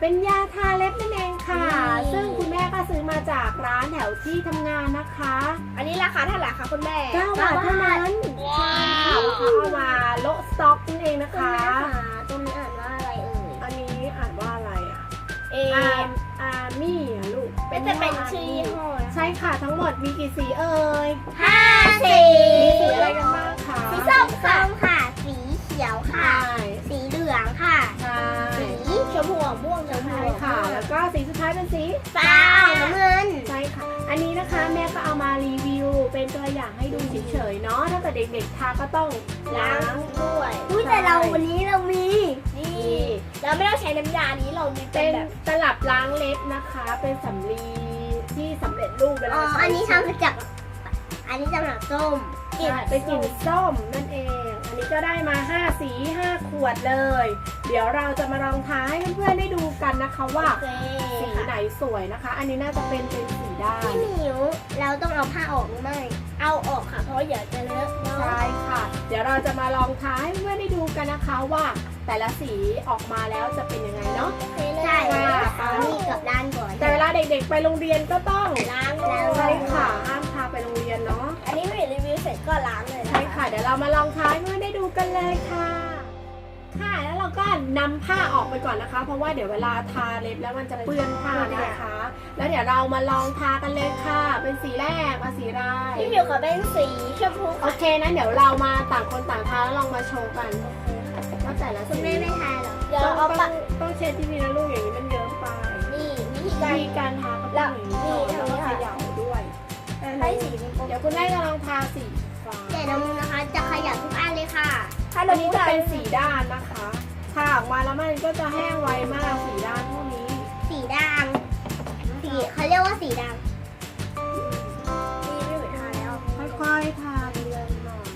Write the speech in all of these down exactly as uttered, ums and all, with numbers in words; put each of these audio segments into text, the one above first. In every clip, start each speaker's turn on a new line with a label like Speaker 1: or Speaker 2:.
Speaker 1: เป็นยาทาเล็บนั่นเองค่ะซึ่งคุณแม่ก็ซื้อมาจากร้านแถวที่ทำงานนะคะ
Speaker 2: อันนี้ราคาเท่าไหร่คะคุณแม่
Speaker 1: เก้าบาทเท่านั้นใช่ค่ะเขาเอามาโละสต็อกนั่นเองนะคะ
Speaker 2: ตรงนี้อ่านว่าอะไรเอ่ย
Speaker 1: อันนี้อ่านว่าอะไรอ่ะ
Speaker 2: เอ
Speaker 1: อาร์มี่อ่ะลูก
Speaker 2: เป็นจะเป็นชื่อยี่ห้อ
Speaker 1: ใช่ค่ะทั้งหมดมีกี่สีเอ่ย
Speaker 2: ห้าสี
Speaker 1: มีสีอะไรกันบ้างคะ
Speaker 2: สีส้มค่ะสีเขียวค่ะสีเหลืองค่ะสีชมพูม่วง
Speaker 1: ใช่ค่ะแล้วก็สีสุดท้ายเป็นสี
Speaker 2: ฟ้าน้ำเงิน
Speaker 1: ใช่ค่ะอันนี้นะคะแม่ก็เอามารีวิวเป็นตัวอย่างให้ดูเฉยๆเนาะถ้าเกิดเด็กๆทาก็ต้องล้าง
Speaker 2: ด้วยอุ้ยแต่เราวันนี้เรามีนี่เราไม่ต้องใช้น้ำยานี้เรามี
Speaker 1: เป็นตลับล้างเล็บนะคะเป็นสำลีที่สำเร็จรูปเวลา
Speaker 2: อ๋ออันนี้ทำมาจากอันนี้จะมาส้ม
Speaker 1: เป็นกลิ่นส้มนั่นเองอันนี้ก็ได้มาห้าสีห้าขวดเลยเดี๋ยวเราจะมาลองทาให้เพื่อนๆได้ดูกันนะคะว่าสีไหนสวยนะคะอันนี้น่าจะเป็นเป็นสีด้าน
Speaker 2: พี่หมิวเราต้องเอาผ้าออกหรือไม่เอาออกค่ะเพราะอย่าจะเลอะ
Speaker 1: ใช่ค่ะเดี๋ยวเราจะมาลองทาให้เพื่อนๆได้ดูกันนะคะว่าแต่ละสีออกมาแล้วจะเป็นยังไงเนาะ
Speaker 2: ใช่ค่ะเอานี่กับด้านก่อน
Speaker 1: แต่เวลาเด็กๆไปโรงเรียนก็ต้อง
Speaker 2: ล้าง
Speaker 1: ใช่ค่ะห้ามทาไปโรงเรียนเนาะ
Speaker 2: อันนี้ไม่รีวิวเสร็จก็ล้างเลย
Speaker 1: ใช่ค่ะเดี๋ยวเรามาลองทาให้เพื่อนได้ดูกันเลยค่ะค่ะแล้วเราก็นำผ้าออกไปก่อนนะคะเพราะว่าเดี๋ยวเวลาทาเล็บแล้วมันจะเปื้อนผ้านะคะแล้วเดี๋ยวเรามาลองทากันเลยค่ะเป็นสีแรกมาสีไร
Speaker 2: พี่หมิวขอเป็นสีชมพู
Speaker 1: โอเคนะเดี๋ยวเรามาต่างคนต่างทาแล้วลองมาโชว์กันว่าแต่ละ
Speaker 2: คุณแม่ไม่ทาหรอ
Speaker 1: เดี๋ยวเอาปะต้องเช็ดที่นี่นะลูกอย่างนี้มันเยอะไป
Speaker 2: นี่วิธี
Speaker 1: การการทาก็ต้องอย่างนี้แล้วก็ขยับด้วย
Speaker 2: ให้สี
Speaker 1: เดี๋ยวคุณแม่จะลองทาสีฟ้า
Speaker 2: แต่น้องนะคะจะขยับทุกอันเลยค่ะ
Speaker 1: อันนี้จะเป็นสีด้านนะคะทาออกมาแล้วมันก็จะแห้งไวมากสีด้านพวกนี้
Speaker 2: สีด่างสีเขาเรียกว่าสีด่างนี่ไม่เหมือนทาแล้ว
Speaker 1: ค่อยๆทาเรื่อยๆหน่อย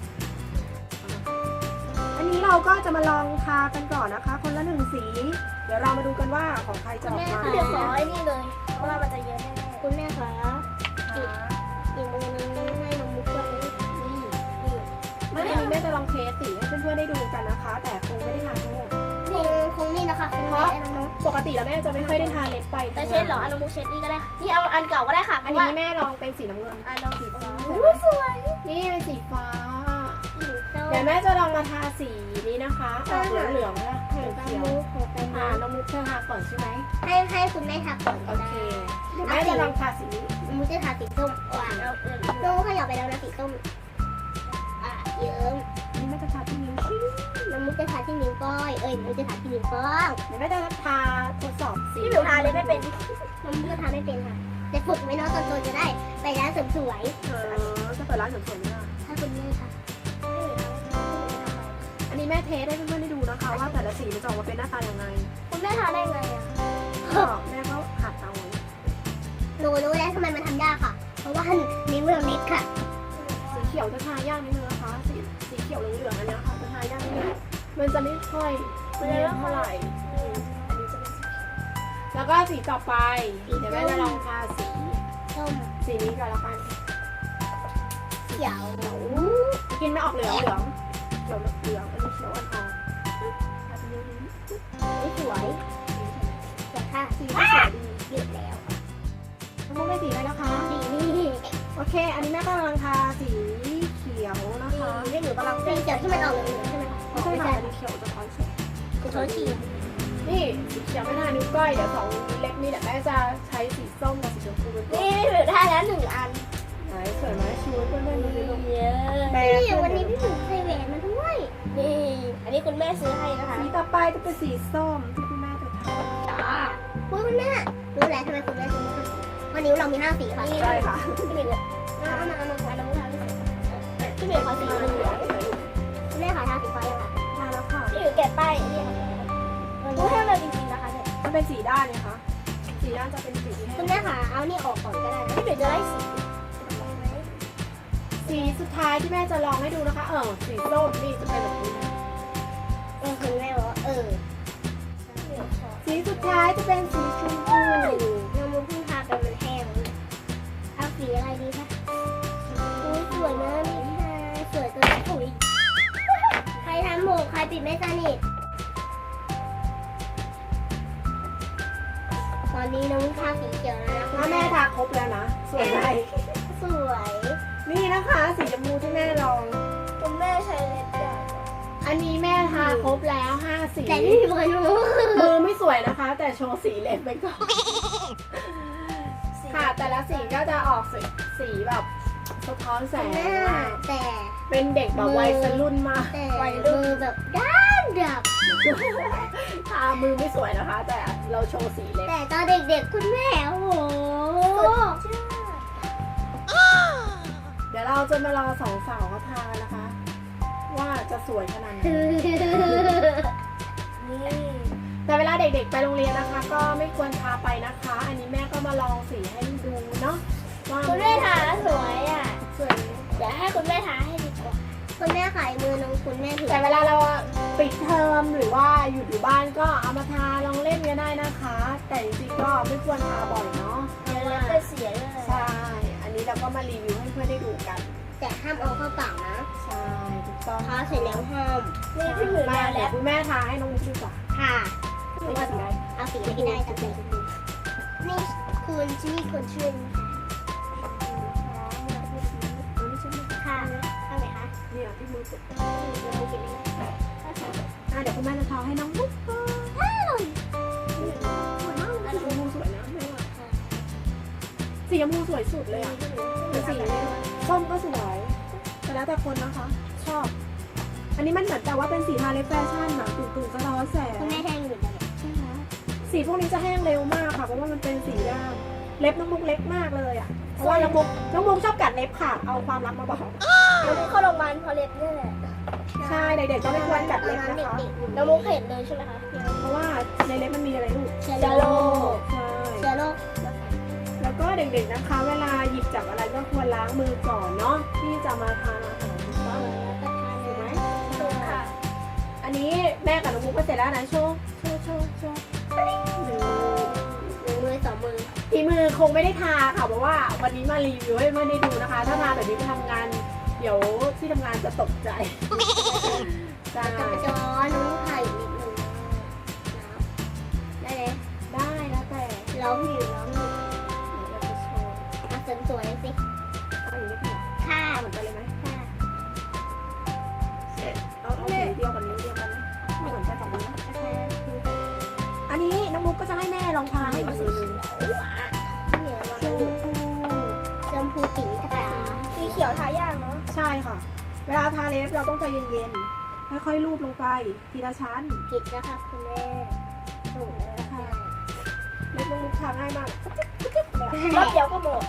Speaker 1: อันนี้เราก็จะมาลองทากันก่อนนะคะคนละหนึ่งสีเดี๋ยวเรามาดูกันว่าของใครจะออกมา
Speaker 2: เดี๋ยวขอไอ้นี่เลยเพราะว่ามันจะเยอะแน่ๆคุณแม่คะอีกอีกมือนึงให้น้องมุกด้วยนี่นี่
Speaker 1: ไม่อันนี้แม่จะลองเทสสีให้เพื่อนๆได้ดูกันนะคะแต่คงไม่ได้ทาทั้งหมด
Speaker 2: คงคงนี่นะคะเพราะ
Speaker 1: ปกติแล้วแม่จะไม่ค่อยได้ทาเล็บไป
Speaker 2: แต่เช็ดหรออันน้องมุกเช็ดนี่ก็ได้นี่เอาอันเก่าก็ได้ค่ะ
Speaker 1: อันนี้แม่ลองเป็นสีน้ำเงิน
Speaker 2: อันลองสีฟ้าสวย
Speaker 1: นี่เป็นสีฟ้าเดี๋ยวแม่จะลองมาทาสีนี้นะคะออกเหลืองๆนะเขียวเขียวอ่าน้องมุกเธอทาก่อนใช่ไหม
Speaker 2: ให้ให้คุณแม่ทาก่อน
Speaker 1: โอเคเดี๋ยวแม่จะลองทาสีนี้
Speaker 2: น้องมุกจะทาสีส้มหวานเอาเออน้องมุกขยับไปแล้วนะสีส้มอ่ะเยิ้ม
Speaker 1: นี่แม่จะทาที่นิ้วชี้
Speaker 2: น้องมุกจะทาที่นิ้วก้อยเอ้ยน้องมุกจะทาที่นิ้วก้อย
Speaker 1: เดี๋ยวแม่จะทาทดสอบสี
Speaker 2: ที่หนูทาเลยไม่เป็นน้องมุกจะทาไม่เป็นค่ะแต่ฝึกไว้เนาะตอนโตจะได้ไปร้านเสริมสวย
Speaker 1: เออจะเปิดร้านเสริมสวยนะ
Speaker 2: ถ้าคุณแม่ค่ะ
Speaker 1: อันนี้แม่เทสให้เพื่อนๆได้ดูนะคะว่าแต่ละสีมันจะออกมาเป็นหน้าตาอย่างไร
Speaker 2: คุณแม่ทาได้ไงอ่ะ
Speaker 1: แม่ก็หัดเอา
Speaker 2: หนูรู้แล้วทำไมมันทำยากค่ะเพราะว่านิ้วเราเล็กค่ะ
Speaker 1: สีเขียวจะทายากนิดนึงนะคะสีสีเขียวเหลืองๆอันนี้ค่ะจะทายากนิดนึงมันจะไม่ค่อยไม่เท่าไหร่อันนี้จะเป็นสีแล้วก็สีต่อไปเดี๋ยวแม่จะลองทาสี
Speaker 2: ส้ม
Speaker 1: สีนี้ก่อนละกัน
Speaker 2: เขียว
Speaker 1: กินไม่ออกเหลืองเหลืองเขียวเหลืองอันนี้เขียวอ่อนๆทาสีนี้
Speaker 2: ไม่สวยแต่ค่ะ
Speaker 1: สีสวยดี
Speaker 2: หยุดแล้ว
Speaker 1: น้ำมุกได้สีอะไรแล้วคะ
Speaker 2: สีนี่
Speaker 1: โอเคอันนี้แม่ก็กำลังทาสีเขียวนะคะ
Speaker 2: นี่หนูกำลังสีเขียวที่มันออกเหลืองใช่ไหมคะ
Speaker 1: ไม่ใช่ค่ะสีเขียวจะท้อนแสง
Speaker 2: คือเขาฉีด
Speaker 1: นี่สีเขียวไม่ทานิ้วก้อยเดี๋ยวสองเล็กนี่แหละแม่จะใช้สีส้มกับสีชมพูเป็นตัว
Speaker 2: นี่หนูทาแล้วหนึ่งอัน
Speaker 1: ไหนสวยไหมชูเพื่อนๆดูดิลูก
Speaker 2: เยอะนี่วันนี้พี่หนูใส่แหวนมาด้วยนี่อันนี้คุณแม่ซื้อให้นะคะ
Speaker 1: สีต่อไปจะเป็นสีส้มที่คุณแม่จะทา
Speaker 2: จ้าคุณแม่รู้แล้วทำไมคุณแม่ซื้อให้วันนี้เรามีห้าสีค่ะ
Speaker 1: ใช่ค่ะ
Speaker 2: พี่หมิวเอามาเอามาเอามาเอามาพี่หมิวขอสีเหลืองคุณแม่ขอทาสีฟ้ายังคะ
Speaker 1: ทาแล้วค่ะ
Speaker 2: พี่หมิวแกะป้ายนี่ค่ะรู้ให้เราจริงๆนะคะเนี่ย
Speaker 1: มันเป็นสีด้านเนี่ยคะสีด้านจะเป็นสีที่
Speaker 2: คุณแม่ค่ะเอานี่ออกก่อนก็ได้นะพี่หมิวจะได้สี
Speaker 1: สีสุดท้ายที่แม่จะลองให้ดูนะคะเออสีส้มนี่จะเป็นแบบนี้
Speaker 2: เออคุณแม่บอกว่าเออ
Speaker 1: สีสุดท้ายจะเป็นสีชมพู
Speaker 2: น้ำมันเพิ่งทาไปมันแห้งเอาสีอะไรดีคะสวยนะนี่ค่ะสวยตัวปุ๋ยใครทำหมวกใครปิดไม่สนิทองทาสีเขียวแล้วนะ
Speaker 1: ถ้าแม่ทาครบแล้วนะสวยไหม
Speaker 2: สวย
Speaker 1: นี่นะคะสีชมพูที่แม่ลอง
Speaker 2: คุณแม่ใช้เล็บใหญ่
Speaker 1: อันนี้แม่ทาครบแล้วห้าสี
Speaker 2: แต่นี่มีคนรู้
Speaker 1: มือไม่สวยนะคะ แต่โชว์สีเล็บไปก่อนค่ะแต่ละสีก็จะออกสีสีแบบสะท้อนแสง
Speaker 2: แม่
Speaker 1: มาก
Speaker 2: แต่
Speaker 1: เป็นเด็กแบบวัยรุ่นมาก
Speaker 2: แต่มือแบบด้านดับ
Speaker 1: ทามือไม่สวยนะคะ แต่เราโชว์สีเล็บ
Speaker 2: แต่ตอนเด็กๆคุณแม่โอ้โห
Speaker 1: เดี๋ยวเราจะมารอสองสาวเขาทานะคะ ว่าจะสวยขนาดไหน
Speaker 2: นี่
Speaker 1: แต่เวลาเด็กๆไปโรงเรียนนะคะ ก็ไม่ควรทาไปนะคะ อันนี้แม่ก็มาลองสีให้ดูเนาะว่า
Speaker 2: คุณแม่ทาสวยอ่ะ
Speaker 1: สวยไหม
Speaker 2: เดี๋ยวให้คุณแม่ทาให้ดีกว่าคุณแม่ขายมือน้องคุณแม่ถือ
Speaker 1: แต่เวลาเราปิดเทอมหรือว่าอยู่อยู่บ้านก็เอามาทาลองเล่นกันได้นะคะ แต่จริงๆก็ไม่ควรทาบ่อยเนาะ
Speaker 2: เดี๋ยวเราจะเสียเลย
Speaker 1: ใช่ อันนี้เราก็มารีวิวให้เพื่อนได้ดูกัน
Speaker 2: แต่ห้ามเอาเข้าปากนะ
Speaker 1: ใช่ถูกต้อง
Speaker 2: ทาเสร็จแล้วห้าม
Speaker 1: นี่พี่หมูมาแล้วคุณแม่ทาให้น้องมุกดีกว่า
Speaker 2: ค่ะ
Speaker 1: ไม่ว่าสีอะไร
Speaker 2: เอาสีอะไรก็ได้จับเลยนี่คุณชื่อคุณชื่อค่ะเอาไหมคะ
Speaker 1: นี่อ่ะพี่มือสุด
Speaker 2: เราไม่กินเลย
Speaker 1: อ่ะเดี๋ยวคุณแม่จะทาให้น้องมุกก่อน
Speaker 2: อ้าว
Speaker 1: สวยมากเลยสีชมพูสวยนะแม่ว่าสีชมพูสวยสุดเลยอ่ะแต่สีส้มก็สวยแต่แล้วแต่คนนะคะ ชอบ อันนี้มันเหมือนแต่ว่าเป็นสีทาเล็บแฟชั่นนะตุ่มๆสะท้อนแสง
Speaker 2: คุณแม่แทงอยู่เลย
Speaker 1: ใช่ไหมสีพวกนี้จะแห้งเร็วมากค่ะเพราะว่ามันเป็นสีด้านเล็บน้องมุกเล็กมากเลยอ่ะเพราะว่าน้องมุกน้องมุกชอบกัดเล็บค่ะเอาความรักมาบอก
Speaker 2: น้องมุกเข้าโรงพยาบาลเพราะเล็บนี่แหละ
Speaker 1: ใช่เด็กๆก็ไม่ควรกัดเล็บนะคะ
Speaker 2: น้องมุกเห็นเลยใช่ไหมคะ
Speaker 1: เพราะว่าในเล็บมันมีอะไรลูก
Speaker 2: เชื้อโรค
Speaker 1: ใช่
Speaker 2: เชื้อโรค
Speaker 1: แล้วก็เด็กๆนะคะ เวลาหยิบจับอะไรก็ควรล้างมือก่อนเนาะที่จะมาทานอาหารถูกต้องถูกไหม
Speaker 2: ถูกค่ะ
Speaker 1: อันนี้แม่กับน้องมุกก็เสร็จแล้วนะโชว์โชว์โชว์โชว์หนึ่ง
Speaker 2: หนึ่งมือสองมือ
Speaker 1: ทีมือคงไม่ได้ทาค่ะเพราะว่าวันนี้มารีวิวให้เพื่อนได้ดูนะคะ ถ้าทาแบบนี้ไปทำงาน เดี๋ยวที่ทำงานจะตกใจใช่
Speaker 2: จะไปจอน้องไข่นิดนึงได้เลย
Speaker 1: ได้แล้วแต่
Speaker 2: ร้องอยู่ร้องอยู่
Speaker 1: เดี๋ยวเราจะโชว์
Speaker 2: มาเสริมสวยสิ
Speaker 1: เอาอย่างนี้ดีกว่า
Speaker 2: ค่ะ
Speaker 1: เอาเหมือนกันเลยไหม
Speaker 2: ค่ะ
Speaker 1: เอาเอาสีเดียวกันนิ้วเดียวกันนะไม่เหมือนกันสองนิ้วนะอันนี้น้องมุกก็จะให้แม่ลองทาให้อีกสีหนึง
Speaker 2: เหนียว
Speaker 1: ชมพู
Speaker 2: ชมพูสีกระต่ายสีเขียวทายากเนาะ
Speaker 1: ใช่ค่ะ เวลาทาเล็บเราต้องใจเย็นๆค่อยๆลูบลงไปทีละชั้น
Speaker 2: ผิดนะคะคุณแม่ถูกแล้วค่ะ
Speaker 1: เล็บน้องมุกทาง่ายมาก
Speaker 2: รอบเดียวก็หมด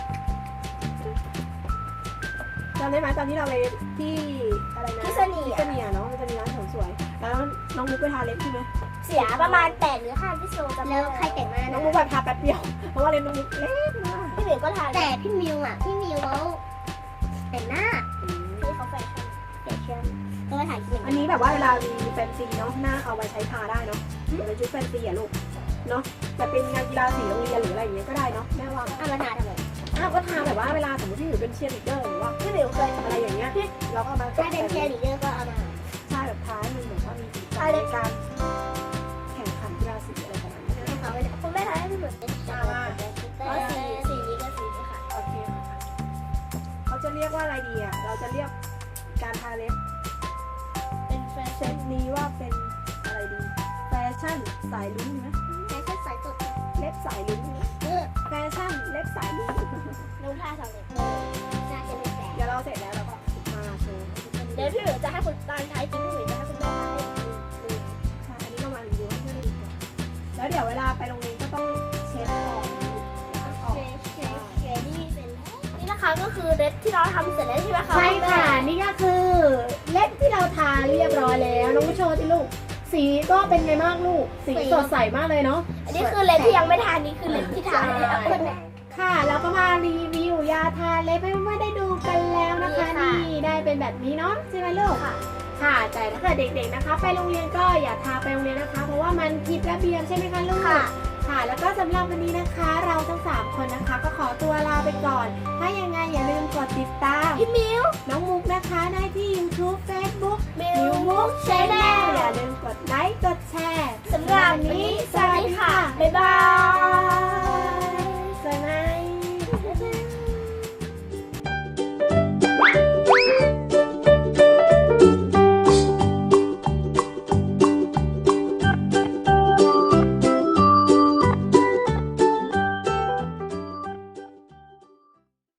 Speaker 1: จำได้ไหมตอนที่เราไปที่อะไรนะ
Speaker 2: ที่เสนี
Speaker 1: ที่เสนียเนาะมันจะมีร้านเสริมสวย แล้วน้องมุกไปทาเล็บใช่ไหม
Speaker 2: เสียประมาณแปดหรือห้าพี่โซจำแล้วใครแต่งหน้า
Speaker 1: น้องมุกแบบทาแป๊บเดียว เพราะว่าเล็บน้องมุกเล็กมาก
Speaker 2: พี่หมิวก็ทาแต่พี่มิวอ่ะพี่มิวเขาแต่งหน้าพี่เขาแฟชั่นแฟชั่นก็มาถ่ายคลิป
Speaker 1: อันนี้แบบว่าเวลามีแฟนซีเนาะหน้าเอาไว้ใช้ทาได้เนาะเป็นชุดแฟนซีอะลูกเนาะแต่เป็นงานกีฬาสีโรงเรียนหรืออะไรอย่างเงี้ยก็ได้เนาะแม่ว่า
Speaker 2: เอามาทาทำไม
Speaker 1: อ้าวก็ทาแบบว่าเวลาสมมติที่อยู่เป็นเชียร์ลีดเดอร์หรือว่า
Speaker 2: พี่หมิวเคย
Speaker 1: อะไรอย่างเงี้ยเราก็เอามา
Speaker 2: ถ้าเป็นเชียร์ลีดเดอร์ก็เอามา
Speaker 1: ใช่แบบท้ายมันเหมือนว่ามีสีสันในการแข่งขันกีฬาสีอะไรประมาณนี้
Speaker 2: ให้เขาไปคุณแม่ทาให้พี่หมิวเป็นชาวแล้วสีสีนี้ก็สีนี้ค่ะ
Speaker 1: โอเคค่ะเขาจะเรียกว่าอะไรดีอ่ะเราจะเรียกการทาเล็บ
Speaker 2: เป็นแฟ
Speaker 1: เซ
Speaker 2: ชั่น
Speaker 1: ตนี้ว่าเป็นอะไรดีแฟชั่นสายลุ้งนะ
Speaker 2: แฟชั่นสายสด
Speaker 1: เล็บสายลุ้ง
Speaker 2: เออ
Speaker 1: แฟชั่นเล็บสายลุ้ง
Speaker 2: น้องท่าสำเร็จน่าจะเป็นแฟน
Speaker 1: เดี๋ยวเราเสร็จแล้วเราก็มาโชว์
Speaker 2: เดี๋ยวพี่หมิวจะให้คุณตอนท้ายจริงพี่หมิวจะให้คุณแม่ทาให้
Speaker 1: ใช่อันนี้เรามารีวิวให้เพื่อนดูก่อนแล้วเดี๋ยวเวลาไปโรงเรียนก็ต้องเช็ดออกล้างออก
Speaker 2: นี่นะคะก็คือเล็บที่เราทำเสร็จแล้วใช่ไหมคะ
Speaker 1: ใช่ค่ะ นี่ก็คือเล็บที่เราทาเรียบร้อยแล้วน้องผู้โชว์ที่ลูก สีก็เป็นไงบ้างลูก สีสดใสมากเลยเนาะ
Speaker 2: อันนี้คือเล็บที่ยังไม่ทานี่คือเล็บที่ทาแล้ว
Speaker 1: ค่ะแล้วก็มารีวิวยาทาเล็บให้เพื่อนๆได้ดูกันแล้วนะคะนี่ได้เป็นแบบนี้เนาะใช่ไหมลูก
Speaker 2: ค่ะ
Speaker 1: ค่ะแต่ถ้าเกิดเด็กๆนะคะ ไปโรงเรียนก็อย่าทาไปโรงเรียนนะคะ เพราะว่ามันผิดระเบียบใช่ไหมคะลูก
Speaker 2: ค่ะ
Speaker 1: ค่ะแล้วก็สำหรับวันนี้นะคะ เราทั้งสามคนนะคะ ก็ขอตัวลาไปก่อน ถ้ายังไงอย่าลืมกดติดตาม
Speaker 2: พี่มิว
Speaker 1: น้องมุกนะคะได้ที่ YouTube Facebook
Speaker 2: มิวมุกแช